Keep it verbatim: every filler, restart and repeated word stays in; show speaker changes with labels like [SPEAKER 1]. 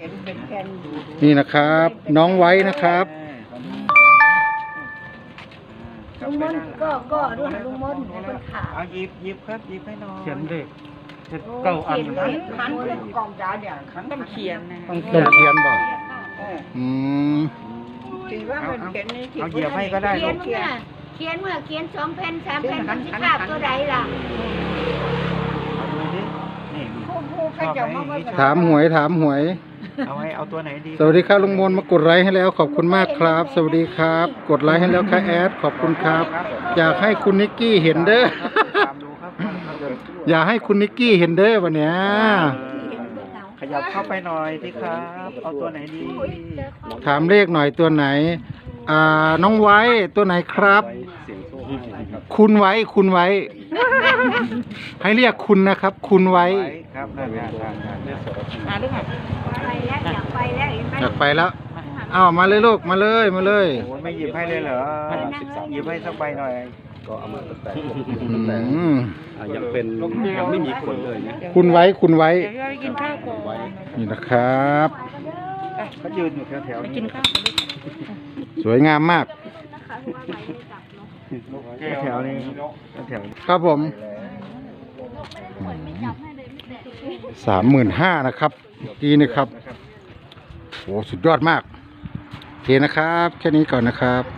[SPEAKER 1] นี่นะครับน้องไว้นะครับ
[SPEAKER 2] ลุงมนก็ก็ดูลุงมนเป็นขา
[SPEAKER 3] เอาหยิบหยิบครับหยิบให้น้อง
[SPEAKER 4] เขียนเลขเก้าอัน
[SPEAKER 2] ขันขันกองจ้าเนี่ยขัน
[SPEAKER 5] ต้องเขียนนะ
[SPEAKER 4] ต้อง
[SPEAKER 1] ต้องเขียนบอก อืม
[SPEAKER 2] ถือว่าเป็นเขียนนี่
[SPEAKER 3] เอาเหยียบให้ก็ได้
[SPEAKER 2] เขี
[SPEAKER 3] ลู
[SPEAKER 2] ยน
[SPEAKER 3] ก
[SPEAKER 2] เมื่อเขียนเมื่อเขียนสองแผ่นสามแผ่นมันจะขาดตัวใดล่ะ
[SPEAKER 3] เอาดูดินี่
[SPEAKER 2] ผู้ผู้ใครจะมาว่า
[SPEAKER 1] ถามหวยถามหวย
[SPEAKER 3] เอาให้เอาตัวไหนดี
[SPEAKER 1] สวัสดีครับลุงมนมากดไลค์ให้แล้วขอบคุณมากครับ สวัสดีครับ กดไลค์ให้แล้วค่ะแอดขอบคุณครับ อยากให้คุณนิกกี้เห็นเด้อ
[SPEAKER 3] ตามดูครับ
[SPEAKER 1] อยากให้คุณนิกกี้เห็นเด้อวันเนี้ย
[SPEAKER 3] ขยับเข้าไปหน่อยสิครับ เอาตัวไหนดี
[SPEAKER 1] ถามเลขหน่อยตัวไหน อ่าน้องไว้ตัวไหนครับ คุณไว้คุณไว้ ให้เรียกคุณนะครับ คุณไว้
[SPEAKER 3] ครับนั่นนั่นนั่นนั่น
[SPEAKER 5] มาด้วยค่ะ
[SPEAKER 2] ไปแล้วอยากไปแล้วเห็นไหม
[SPEAKER 1] อยากไปแล้วอ้าวมาเลยลูกมาเลยมาเลย
[SPEAKER 3] โอ้ยไม่หยิบให้เลยเหรอหยิบให้สักใบหน่อย
[SPEAKER 6] ก็เอามาตั้งแต่
[SPEAKER 1] อืม
[SPEAKER 6] อ่ะยังเป็นยังไม่มีคนเลยนะ
[SPEAKER 1] คุณไว้คุณไว้
[SPEAKER 5] เดี๋ยวเราไปกินข้าวก่อน
[SPEAKER 1] นี่นะครับ
[SPEAKER 3] เขายืนอยู่แถวๆ
[SPEAKER 5] ไป
[SPEAKER 3] นี้
[SPEAKER 5] กินข้าวกัน
[SPEAKER 1] สวยงามมาก
[SPEAKER 3] แถวๆนี้แถว
[SPEAKER 1] ครับผมสามหมื่นห้านะครับดีนะครับโอ้สุดยอดมากโอเคนะครับ แค่นี้ก่อนนะครับ